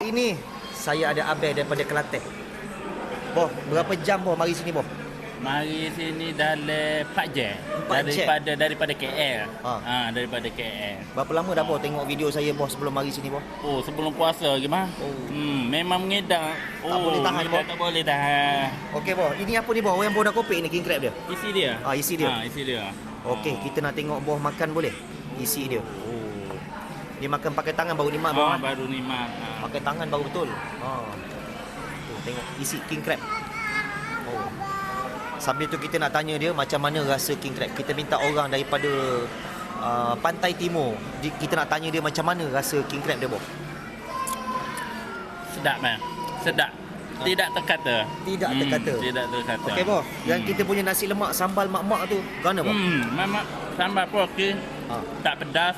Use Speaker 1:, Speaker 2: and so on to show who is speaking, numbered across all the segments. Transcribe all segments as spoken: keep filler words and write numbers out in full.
Speaker 1: ini saya ada abang daripada Kelantan. Boh, berapa jam boh mari sini boh?
Speaker 2: Mari sini dalam empat jam.
Speaker 1: empat jam?
Speaker 2: Daripada daripada K L.
Speaker 1: Ha.
Speaker 2: Ha, daripada K L.
Speaker 1: Berapa lama dah boh tengok video saya boh sebelum mari sini boh?
Speaker 2: Oh, sebelum puasa lagi mah.
Speaker 1: Oh.
Speaker 2: Hmm, memang mengedang. Oh,
Speaker 1: Tak boleh tahan,
Speaker 2: mengedang
Speaker 1: boh.
Speaker 2: tak boleh tahan.
Speaker 1: Okey boh, ini apa ni boh? Yang boh dah kopek ni king crab dia.
Speaker 2: Isi dia.
Speaker 1: Ah, isi dia.
Speaker 2: Ha, isi dia.
Speaker 1: Okey, kita nak tengok boh makan boleh? Isi dia.
Speaker 2: Oh.
Speaker 1: Dia makan pakai tangan baru nikmat boh.
Speaker 2: Ha,
Speaker 1: kan?
Speaker 2: baru nikmat. Ha.
Speaker 1: Pakai tangan baru betul. Ha. Oh, tengok isi king crab. Oh. Sambil tu kita nak tanya dia macam mana rasa king crab. Kita minta orang daripada uh, pantai timur. Di, kita nak tanya dia macam mana rasa king crab dia boh.
Speaker 2: Sedap man. Sedap. Tidak terkata.
Speaker 1: Tidak
Speaker 2: Hmm,
Speaker 1: terkata.
Speaker 2: Tidak terkata.
Speaker 1: Okey boh, yang
Speaker 2: Hmm.
Speaker 1: kita punya nasi lemak sambal mak-mak tu, gana boh?
Speaker 2: Hmm, memang sambal pun okey.
Speaker 1: Ha.
Speaker 2: Tak pedas.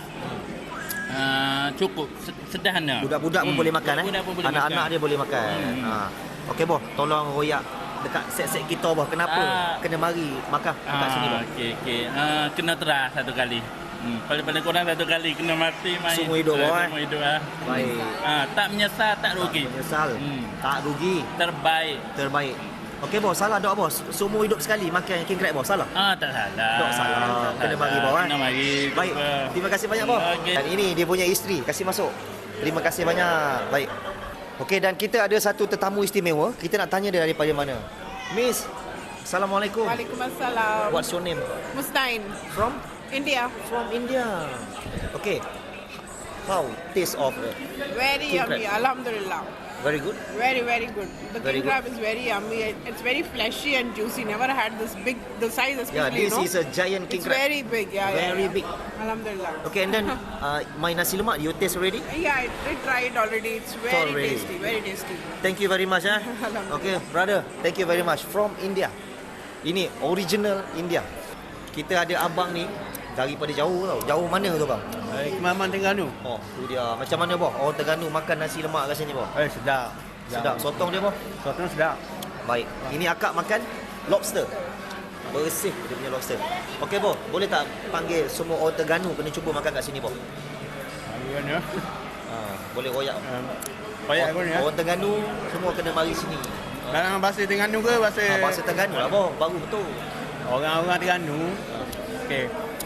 Speaker 2: Uh, cukup sederhana.
Speaker 1: Budak-budak pun
Speaker 2: Hmm,
Speaker 1: boleh makan eh.
Speaker 2: budak-budak pun boleh
Speaker 1: Anak-anak
Speaker 2: makan.
Speaker 1: dia boleh makan.
Speaker 2: Hmm.
Speaker 1: Ha. Okey boh, tolong royak dekat set-set kita boh. Kenapa
Speaker 2: Ah.
Speaker 1: kena mari makan dekat
Speaker 2: Ah,
Speaker 1: sini boh?
Speaker 2: okey okey. Uh, kena terah satu kali. Hmm, paling-paling kurang satu kali kena mati main.
Speaker 1: Seumur hidup,
Speaker 2: Ah,
Speaker 1: boy.
Speaker 2: Seumur hidup ah.
Speaker 1: Baik.
Speaker 2: Ah, tak menyesal, tak rugi.
Speaker 1: Tak menyesal.
Speaker 2: Hmm.
Speaker 1: Tak rugi.
Speaker 2: Terbaik.
Speaker 1: Terbaik. Okey bos, salah dok bos. Seumur hidup sekali makan king crab bos, salah.
Speaker 2: Ah, tak salah.
Speaker 1: Tak salah.
Speaker 2: Tak
Speaker 1: Kena
Speaker 2: salah.
Speaker 1: mari, bawah, eh?
Speaker 2: Kena mari.
Speaker 1: Baik. Terima kasih banyak bos.
Speaker 2: Okey.
Speaker 1: Dan ini dia punya isteri, kasih masuk. Terima kasih banyak. Baik. Okey, dan kita ada satu tetamu istimewa. Kita nak tanya dia daripada mana. Miss, Assalamualaikum.
Speaker 3: Waalaikumsalam.
Speaker 1: What's your name?
Speaker 3: Mustain,
Speaker 1: From?
Speaker 3: India.
Speaker 1: From India. Okay. How taste of it?
Speaker 3: Very
Speaker 1: King
Speaker 3: yummy.
Speaker 1: crab.
Speaker 3: Alhamdulillah.
Speaker 1: Very good.
Speaker 3: Very, very good. The
Speaker 1: Very
Speaker 3: king
Speaker 1: good.
Speaker 3: crab is very yummy. It's very fleshy and juicy. Never had this big, the size
Speaker 1: Yeah,
Speaker 3: especially,
Speaker 1: this
Speaker 3: you know.
Speaker 1: is a giant king
Speaker 3: It's
Speaker 1: crab.
Speaker 3: very big. Yeah, yeah,
Speaker 1: Very
Speaker 3: yeah.
Speaker 1: big.
Speaker 3: Alhamdulillah.
Speaker 1: Okay, and then uh, my nasi lemak, you taste already?
Speaker 3: Yeah, I did try it already. It's very
Speaker 1: already.
Speaker 3: tasty. Very tasty.
Speaker 1: Thank you very much eh.
Speaker 3: Alhamdulillah.
Speaker 1: Okay, brother, thank you very much from India. Ini original India. Kita ada abang ni daripada jauh tau. Jauh mana tu bang?
Speaker 4: Eh, Kemaman Terengganu.
Speaker 1: Oh, tu dia. Macam mana boh? Orang Terengganu makan nasi lemak rasanya boh?
Speaker 4: Eh, sedap.
Speaker 1: Sedap. Sotong dia boh?
Speaker 4: Sotong sedap.
Speaker 1: Baik. Ini akak makan lobster. Bersih dia punya lobster. Okey boh, boleh tak panggil semua orang Terengganu kena cuba makan kat sini boh?
Speaker 4: Bagaimana?
Speaker 1: Ha, boleh royak.
Speaker 4: Um, Banyak pun ya.
Speaker 1: Orang Terengganu semua kena mari sini.
Speaker 4: Dalam bahasa Terengganu ke bahasa...
Speaker 1: Ha, bahasa Terengganu lah boh, baru betul.
Speaker 4: Orang-orang Terengganu. Okey.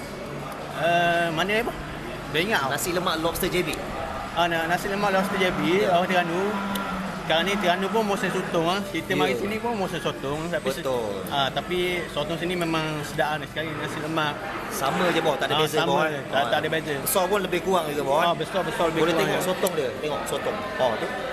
Speaker 4: Uh, mana ni apa? Dah ingat tau.
Speaker 1: Nasi lemak lobster J B.
Speaker 4: Ah, na- nasi lemak lobster J B, orang Terengganu. Sekarang ni Terengganu pun musim sotong ah. Kita
Speaker 1: Ya.
Speaker 4: mari sini pun musim sotong. Tapi se-
Speaker 1: Betul.
Speaker 4: Ah, tapi sotong sini memang sedap ni sekali nasi lemak.
Speaker 1: Sama je boh, tak ada
Speaker 4: Ah,
Speaker 1: beza
Speaker 4: sama
Speaker 1: boh.
Speaker 4: je.
Speaker 1: eh.
Speaker 4: Tak- tak ada beza.
Speaker 1: Besar pun lebih kurang juga boh. eh.
Speaker 4: Ah, besar-besar lebih
Speaker 1: Boleh
Speaker 4: kurang
Speaker 1: tengok
Speaker 4: ya.
Speaker 1: sotong dia, tengok sotong. Oh tu.